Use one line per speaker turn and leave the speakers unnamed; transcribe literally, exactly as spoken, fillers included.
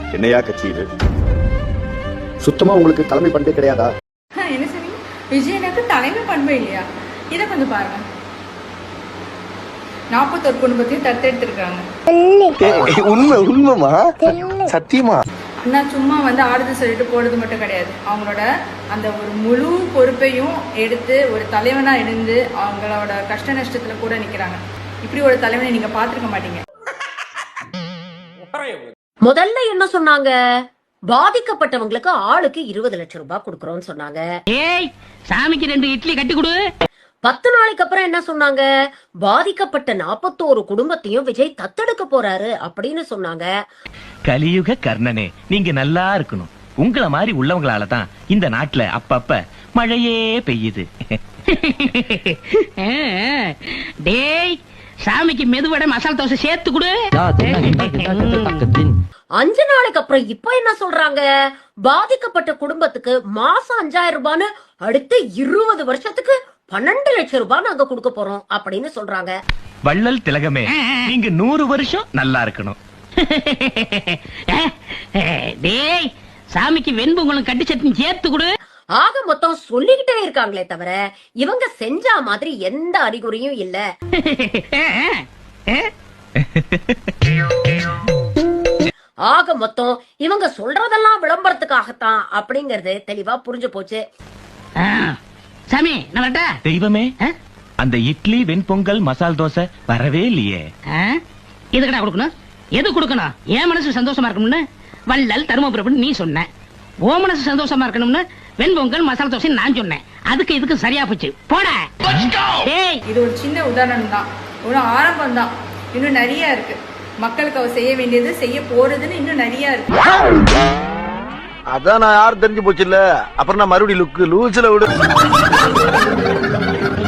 என்னையா கட்சி இது? சுத்தமா உங்களுக்கு தலைமை பண்பே கிடையாதா?
என்ன சொன்னீங்க? விஜயனுக்கு தலைமை பண்பே இல்லையா? இதை கொஞ்சம் பாருங்க. நாற்பத்தொரு குடும்பத்தையும் தத்தெடுத்திருக்காங்க.
உண்மை உண்மைமா சத்தியமா
நான் சும்மா வந்து ஆறுதல் சொல்லிட்டு போறது மட்டும் கிடையாது. அவங்களோட அந்த ஒரு முழு பொறுப்பையும் எடுத்து ஒரு தலைவனா இருந்து அவங்களோட கஷ்ட நஷ்டத்துல கூட நிக்கிறாங்க. இப்படி ஒரு தலைவனை நீங்க பாத்துருக்க மாட்டீங்க.
முதல்ல என்ன சொன்னாங்க? பாதிக்கப்பட்டவங்களுக்கு ஆளுக்கு இருபது லட்சம் ரூபாய் கொடுக்கறோம்னு சொன்னாங்க.
ஏய், சாமிக்கு ரெண்டு இட்லி கட்டி கொடு.
பத்து நாளைக்கு அப்புறம் என்ன சொன்னாங்க? பாதிக்கப்பட்ட நாற்பத்தோரு குடும்பத்தையும் விஜய் தத்தெடுக்க போறாரு அப்படின்னு சொன்னாங்க.
கலியுக கர்ணனே, நீங்க நல்லா இருக்கணும். உங்கள மாதிரி உள்ளவங்களால தான் இந்த நாட்டுல அப்பப்ப மழையே பெய்யுது.
டேய், சாமிக்கு மெதுவடை மசாலா தோசை சேர்த்து கொடு.
அஞ்சு நாளைக்கு அப்புறம் இப்ப என்ன சொல்றாங்க? பாதிக்கப்பட்ட குடும்பத்துக்கு மாசம் அஞ்சாயிரம் ரூபான்னு அடுத்த இருபது வருஷத்துக்கு பன்னெண்டு லட்சம் ரூபாய் நாங்க கொடுக்க போறோம் அப்படின்னு சொல்றாங்க.
வள்ளல் திலகமே, நீங்க நூறு வருஷம் நல்லா இருக்கணும்.
டேய், சாமிக்கு வெண்பொங்கலும் கட்டி சட்னி சேர்த்து கொடு.
ஆக மொத்தம் சொல்லிக்கிட்டே இருக்காங்களே தவிர இவங்க செஞ்ச மாதிரி எந்த அறிகுறியும் இல்ல. ஆக மொத்தம் இவங்க சொல்றதெல்லாம் விளம்பரத்துக்காகத்தான் அப்படிங்கறது தெளிவா புரிஞ்சு போச்சு.
சாமி, நல்லட்டா
தெய்வமே, அந்த இட்லி வெண்பொங்கல் மசால் தோசை வரவே இல்லையே.
எதுக்கடா கொடுக்கணும்? எது கொடுக்கணும்? என் மனசு சந்தோஷமா இருக்கணும்னு வள்ளல் தருமபுரம் நீ சொன்ன. ஓ மனசு சந்தோஷமா இருக்கணும்னு வெண்பொங்கல் மசாலா தோசை நான் சொன்னேன். அதுக்கு இதுக்கு சரியா போச்சு. போட.
இது ஒரு சின்ன உதாரணம் தான், ஒரு ஆரம்பம் தான். இன்னும் நிறைய இருக்கு. மக்களுக்கு அவர் செய்ய வேண்டியது, செய்ய போறதுன்னு இன்னும் நிறைய இருக்கு.
அதான் நான் யாரும் தெரிஞ்சு போச்சு இல்ல. அப்புறம் நான் மறுபடியும் லுக்கு லூசில விடு.